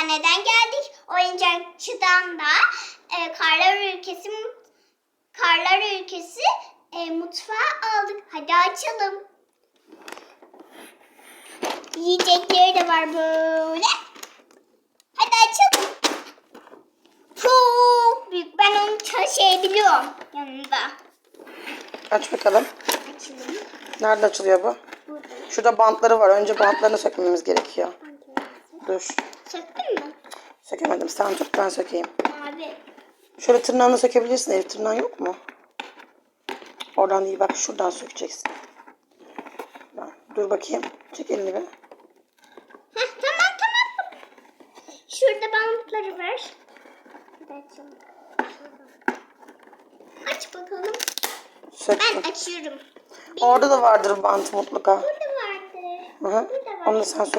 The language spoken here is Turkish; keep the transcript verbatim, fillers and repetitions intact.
Eczaneden geldik. Oyuncakçıdan da e, Karlar Ülkesi Karlar Ülkesi e, mutfağı aldık. Hadi açalım. Yiyecekleri de var böyle. Hadi açalım. Çok büyük. Ben onu taşıyabiliyorum yanında. Aç bakalım. Açalım. Nerede açılıyor bu? Burada. Şurada bantları var. Önce bantlarını sökmemiz gerekiyor. Dur. Söktün mü? Sökemedim. Sen tut, ben sökeyim. Abi. Şöyle tırnağını sökebilirsin. Elif, tırnağın yok mu? Oradan değil, bak şuradan sökeceksin. Ben- Dur bakayım. Çek elini bir. Heh, tamam tamam. Şurada bantları var. Hadi açalım. Aç bakalım. Söktüm. Ben açıyorum. Orada da vardır bant mutlaka. Burada vardı. Hı hı. Burada var. Onu da sen sök.